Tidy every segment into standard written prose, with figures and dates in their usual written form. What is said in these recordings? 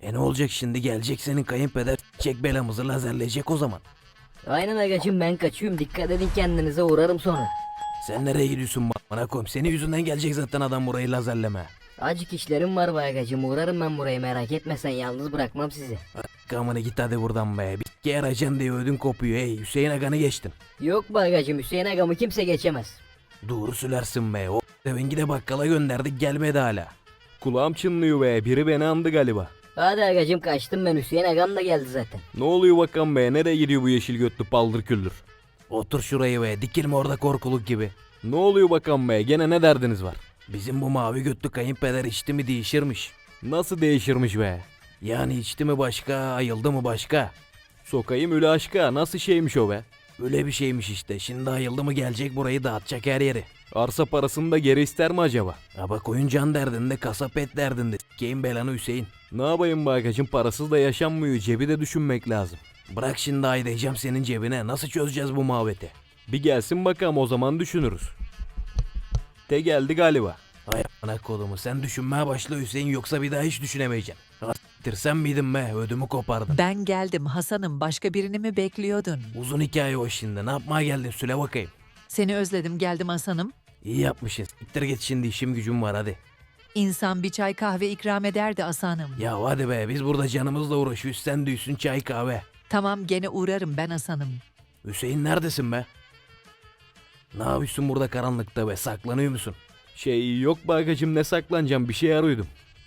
Ne olacak şimdi, gelecek senin kayınpeder çek belamızı lazerleyecek o zaman. Aynen agacım, ben kaçıyorum, dikkat edin kendinize, uğrarım sonra. Sen nereye gidiyorsun bana koyayım, senin yüzünden gelecek zaten adam burayı lazerleme. Acık işlerim var be agacım, uğrarım ben buraya, merak etme sen, yalnız bırakmam sizi. Kamını git hadi buradan be, bir kere arayacaksın diye ödün kopuyor. Hey Hüseyin Agan'ı geçtin. Yok be agacım, Hüseyin agamı kimse geçemez. Doğru söylersin be, o devengi de bakkala gönderdik gelmedi hala. Kulağım çınlıyor be, biri beni andı galiba. Hadi agacım, kaçtım ben, Hüseyin agam da geldi zaten. Ne oluyor bakalım be, nereye gidiyor bu yeşil götlü paldır küldür? Otur şurayı be, dikilme orada korkuluk gibi. Ne oluyor bakalım be, gene ne derdiniz var? Bizim bu mavi götlü kayınpeder içti mi değişirmiş. Nasıl değişirmiş be? Yani içti mi başka, ayıldı mı başka? Sokayım öyle aşka, nasıl şeymiş o be? Öyle bir şeymiş işte, şimdi ayıldı mı gelecek burayı dağıtacak her yeri. Arsa parasını da geri ister mi acaba? Ama koyun can derdinde, kasap et derdinde. Sikeyim belanı Hüseyin. Ne yapayım bagacım, parasız da yaşanmıyor, cebi de düşünmek lazım. Bırak şimdi aydayacağım senin cebine, nasıl çözeceğiz bu muhabbeti? Bir gelsin bakalım, o zaman düşünürüz. De geldi galiba. Ay ana kolumu, sen düşünmeye başla Hüseyin, yoksa bir daha hiç düşünemeyeceksin. Siktir, sen miydin be, ödümü kopardın. Ben geldim Hasan'ım, başka birini mi bekliyordun? Uzun hikaye o şimdi, ne yapmaya geldin söyle bakayım. Seni özledim, geldim Hasan'ım. İyi yapmışsın, siktir git şimdi, işim gücüm var hadi. İnsan bir çay kahve ikram ederdi Hasan'ım. Ya hadi be, biz burada canımızla uğraşıyoruz, sen düysün çay kahve. Tamam, gene uğrarım ben Hasan'ım. Hüseyin neredesin be? Ne yapıyorsun burada karanlıkta be, saklanıyor musun? Yok bagacım, ne saklanacağım, bir şey arıyordum.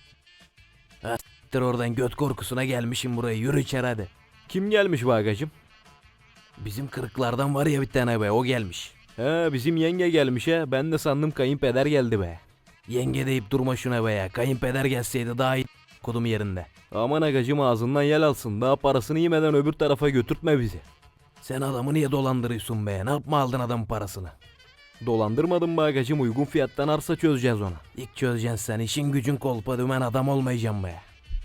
Ha s**tir oradan, göt korkusuna gelmişim buraya, yürü içeri hadi. Kim gelmiş bagacım? Bizim kırıklardan var ya bir tane be, o gelmiş. He bizim yenge gelmiş he, ben de sandım kayınpeder geldi be. Yenge deyip durma şuna be ya, kayınpeder gelseydi daha iyi kodum yerinde. Aman agacım, ağzından yel alsın, daha parasını yemeden öbür tarafa götürtme bizi. Sen adamı niye dolandırıyorsun be, ne yapma aldın adamın parasını? Dolandırmadım be agacım, uygun fiyattan arsa çözeceğiz ona. İlk çözeceksin sen, işin gücün kolpa dümen adam olmayacağım be.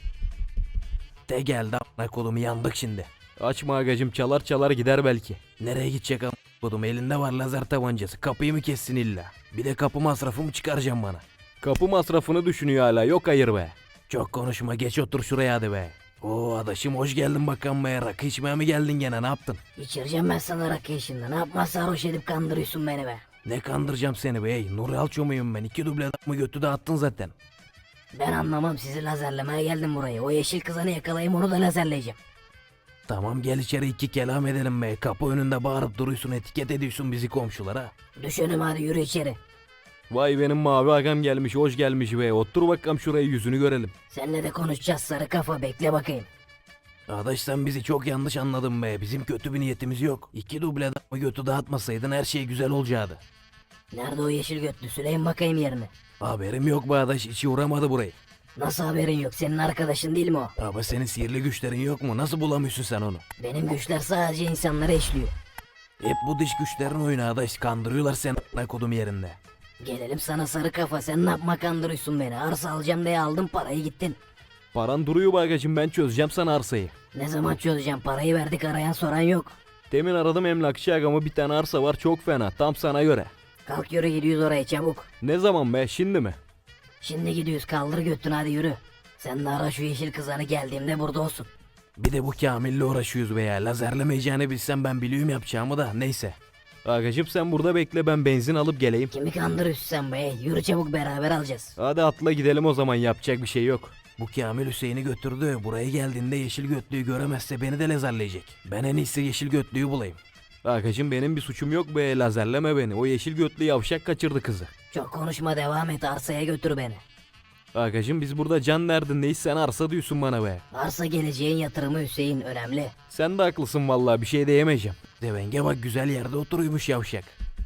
De geldi a**ına kolumu, yandık şimdi. Açma agacım, çalar çalar gider belki. Nereye gidecek a**ına kodum, elinde var lazer tabancası, kapıyı mı kessin illa? Bir de kapı masrafı mı çıkaracağım bana? Kapı masrafını düşünüyor hala, yok hayır be. Çok konuşma, geç otur şuraya hadi be. Oo adaşım, hoş geldin bakalım be, rakı içmeye mi geldin gene, ne yaptın? İçireceğim ben sana rakı şimdi, ne yapma sarhoş edip kandırıyorsun beni be. Ne kandıracağım seni be, hey Nuri Alço muyum ben, 2 duble mı götü dağıttın zaten. Ben anlamam, sizi lazerlemeye geldim buraya, o yeşil kızanı yakalayayım, onu da lazerleyeceğim. Tamam gel içeri, 2 kelam edelim be, kapı önünde bağırıp duruyorsun, etiket ediyorsun bizi komşulara. Düş önüme, hadi yürü içeri. Vay benim mavi agam gelmiş, hoş gelmiş be, otur bakalım şuraya, yüzünü görelim. Seninle de konuşacağız sarı kafa, bekle bakayım. Adaş sen bizi çok yanlış anladın be, bizim kötü bir niyetimiz yok. 2 duble mı götü dağıtmasaydın her şey güzel olacaktı. Nerede o yeşil götlü, söyleyin bakayım yerine. Haberim yok be adaş, içi uğramadı burayı. Nasıl haberin yok, senin arkadaşın değil mi o? Ama senin sihirli güçlerin yok mu, nasıl bulamıyorsun sen onu? Benim güçler sadece insanlara işliyor. Hep bu dış güçlerin oyunu adaş, kandırıyorlar seni a**ına kodum yerinde. Gelelim sana sarı kafa, sen ne yapma kandırıyorsun beni, arsa alacağım diye aldın parayı gittin. Paran duruyor bagacım, ben çözeceğim sana arsayı. Ne zaman çözeceğim, parayı verdik, arayan soran yok. Demin aradım emlakçı agamı, bir tane arsa var çok fena, tam sana göre. Kalk yürü, gidiyoruz oraya çabuk. Ne zaman be, şimdi mi? Şimdi gidiyoruz, kaldır götünü, hadi yürü. Sen de ara şu yeşil kızanı, geldiğimde burada olsun. Bir de bu Kamil'le uğraşıyoruz be ya, lazerlemeyeceğini bilsem ben biliyorum yapacağımı da, neyse. Agacım sen burada bekle, ben benzin alıp geleyim. Kimi kandırıyorsun sen be, yürü çabuk, beraber alacağız. Hadi atla gidelim o zaman, yapacak bir şey yok. Bu Kamil Hüseyin'i götürdü, buraya geldiğinde yeşil götlüğü göremezse beni de lazerleyecek. Ben en iyisi yeşil götlüğü bulayım. Agacım benim bir suçum yok be, lazerleme beni, o yeşil götlü yavşak kaçırdı kızı. Çok konuşma, devam et, arsaya götür beni. Agacım biz burada can derdindeyiz, sen arsa diyorsun bana be. Arsa geleceğin yatırımı Hüseyin, önemli. Sen de haklısın vallahi, bir şey diyemeyeceğim. Devenge bak, güzel yerde oturuyormuş yavşak.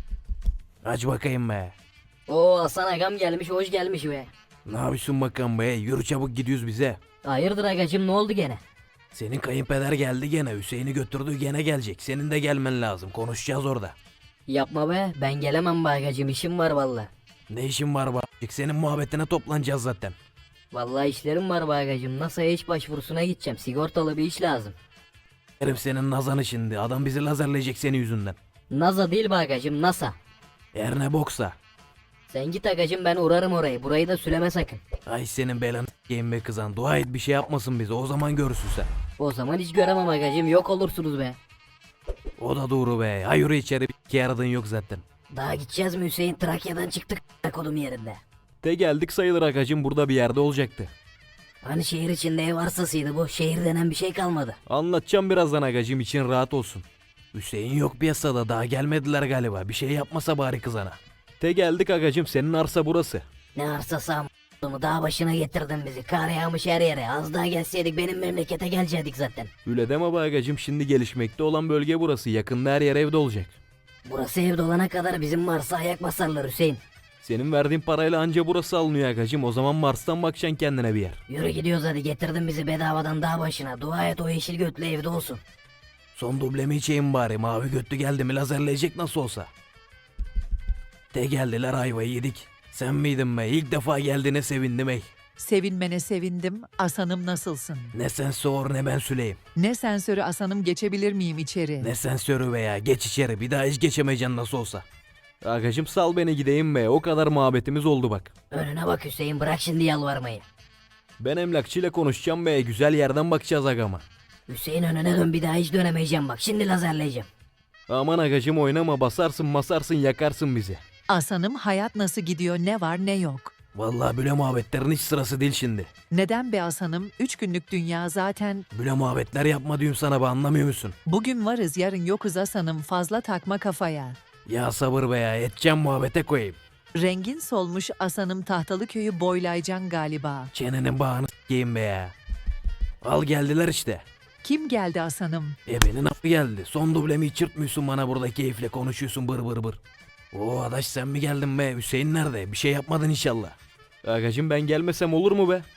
Aç bakayım be. Oo, Hasan agam gelmiş, hoş gelmiş be. Ne yapıyorsun bakalım be, yürü çabuk gidiyoruz bize. Hayırdır agacım, ne oldu gene? Senin kayınpeder geldi gene, Hüseyin'i götürdü, gene gelecek. Senin de gelmen lazım, konuşacağız orada. Yapma be, ben gelemem be agacım, işim var valla. Ne işin var bak, senin muhabbetine toplanacağız zaten. Vallahi işlerim var be agacım, NASA'ya iş başvurusuna gideceğim, sigortalı bir iş lazım. Herif senin nazanı şimdi, adam bizi lazerleyecek senin yüzünden. NASA değil be agacım, NASA. Her ne boksa. Sen git agacım, ben uğrarım orayı. Burayı da süleme sakın. Ay senin belanı s**eyim be kızan. Dua et bir şey yapmasın bize. O zaman görürsün sen. O zaman hiç göremem agacım, yok olursunuz be. O da doğru be. Ha yürü içeri. Bir yaradığın yok zaten. Daha gideceğiz mi Hüseyin? Trakya'dan çıktık kodum yerinde. De geldik sayılır agacım. Burada bir yerde olacaktı. Hani şehir içinde ev arsasıydı bu. Şehir denen bir şey kalmadı. Anlatacağım birazdan agacım, için rahat olsun. Hüseyin yok piyasada, daha gelmediler galiba. Bir şey yapmasa bari kızana. De geldik agacım, senin arsa burası. Ne arsası am***ımı, dağ başına getirdin bizi. Kar yağmış her yere. Az daha gelseydik benim memlekete gelecektik zaten. Öyle deme be agacım, şimdi gelişmekte olan bölge burası. Yakında her yer evde olacak. Burası ev dolana kadar bizim Mars'a ayak basarlar Hüseyin. Senin verdiğin parayla anca burası alınıyor agacım. O zaman Mars'tan bakacaksın kendine bir yer. Yürü gidiyoruz hadi, getirdin bizi bedavadan dağ başına. Dua et o yeşil götlü evde olsun. Son dublemi içeyim bari. Mavi götlü geldi mi lazerleyecek nasıl olsa. De geldiler, ayvayı yedik. Sen miydin be? İlk defa geldiğine sevindim ey. Sevinmene sevindim. Asanım nasılsın? Ne sen sor ne ben süleyim. Ne sensörü Asanım, geçebilir miyim içeri? Ne sensörü be ya, geç içeri, bir daha hiç geçemeyeceksin nasıl olsa. Agacım sal beni gideyim be, o kadar muhabbetimiz oldu bak. Önüne bak Hüseyin, bırak şimdi yalvarmayı. Ben emlakçıyla konuşacağım be, güzel yerden bakacağız agama. Hüseyin önüne dön, bir daha hiç dönemeyeceğim bak, şimdi lazerleyeceğim. Aman agacım oynama, basarsın masarsın yakarsın bizi. Asanım, hayat nasıl gidiyor, ne var ne yok? Vallahi böyle muhabbetlerin hiç sırası değil şimdi. Neden be Asanım? 3 günlük dünya zaten. Böyle muhabbetler yapma diyorum sana be, anlamıyor musun? Bugün varız yarın yokuz Asanım, fazla takma kafaya. Ya sabır be ya, edeceğim muhabbete koyayım. Rengin solmuş Asanım, tahtalı köyü boylayacaksın galiba. Çenenin bağını s**eyim be ya. Al geldiler işte. Kim geldi Asanım? Ebenin affı geldi. Son dublemi içirtmiyorsun bana, burada keyifle konuşuyorsun bır bır bır. Oo adaş sen mi geldin be? Hüseyin nerede? Bir şey yapmadın inşallah. Agacım ben gelmesem olur mu be?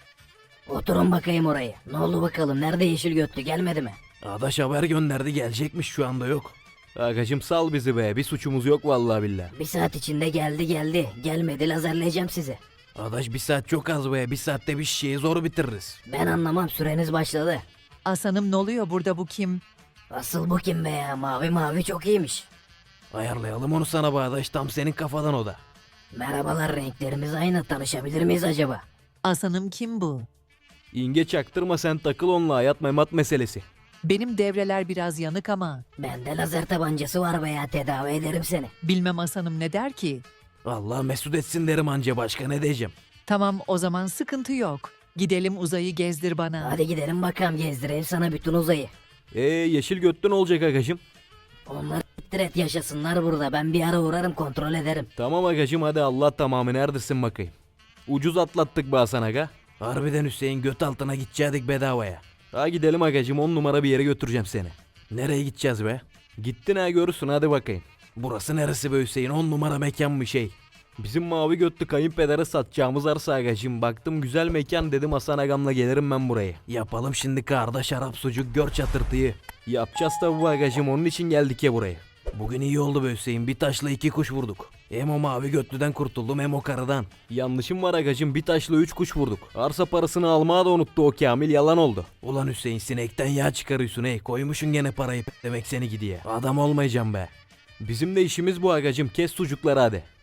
Oturun bakayım orayı. Ne oldu bakalım, nerede yeşil götlü, gelmedi mi? Adaş haber gönderdi, gelecekmiş, şu anda yok. Agacım sal bizi be, bir suçumuz yok vallahi billahi. Bir saat içinde geldi. Gelmedi, lazerleyeceğim sizi. Adaş bir saat çok az be, bir saatte bir şişeyi zor bitiririz. Ben anlamam, süreniz başladı. Asanım ne oluyor burada, bu kim? Asıl bu kim be ya, mavi mavi çok iyiymiş. Ayarlayalım onu sana be adaş, tam senin kafadan o da. Merhabalar, renklerimiz aynı, tanışabilir miyiz acaba? Asanım kim bu? İnge çaktırma, sen takıl onunla, hayat memat meselesi. Benim devreler biraz yanık ama. Bende lazer tabancası var be ya, tedavi ederim seni. Bilmem Asanım ne der ki? Allah mesut etsin derim anca, başka ne diyeceğim. Tamam o zaman, sıkıntı yok. Gidelim uzayı gezdir bana. Hadi gidelim bakalım, gezdireyim sana bütün uzayı. Yeşil götlün olacak agacım. Onlar siktir et, yaşasınlar burada, ben bir ara uğrarım, kontrol ederim. Tamam agacım, hadi Allah tamamı, neredesin bakayım. Ucuz atlattık be Hasan aga. Harbiden Hüseyin, göt altına gidecektik bedavaya. Ha gidelim agacım, 10 numara bir yere götüreceğim seni. Nereye gideceğiz be? Gittin ha, görürsün, hadi bakayım. Burası neresi be Hüseyin, 10 numara mekan mı şey? Bizim mavi götlü kayınpedere satacağımız arsa agacım. Baktım güzel mekan, dedim Hasan agamla gelirim ben buraya. Yapalım şimdi karda şarap sucuk, gör çatırtıyı. Yapacağız tabi bu agacım, onun için geldik ya buraya. Bugün iyi oldu be Hüseyin, bir taşla 2 kuş vurduk. Hem o mavi götlüden kurtuldum hem o karıdan. Yanlışım var agacım, bir taşla 3 kuş vurduk. Arsa parasını almaya da unuttu o Kamil, yalan oldu. Ulan Hüseyin, sinekten yağ çıkarıyorsun ey, koymuşsun gene parayı demek seni gidiye. Adam olmayacağım be. Bizim de işimiz bu agacım, kes sucukları hadi.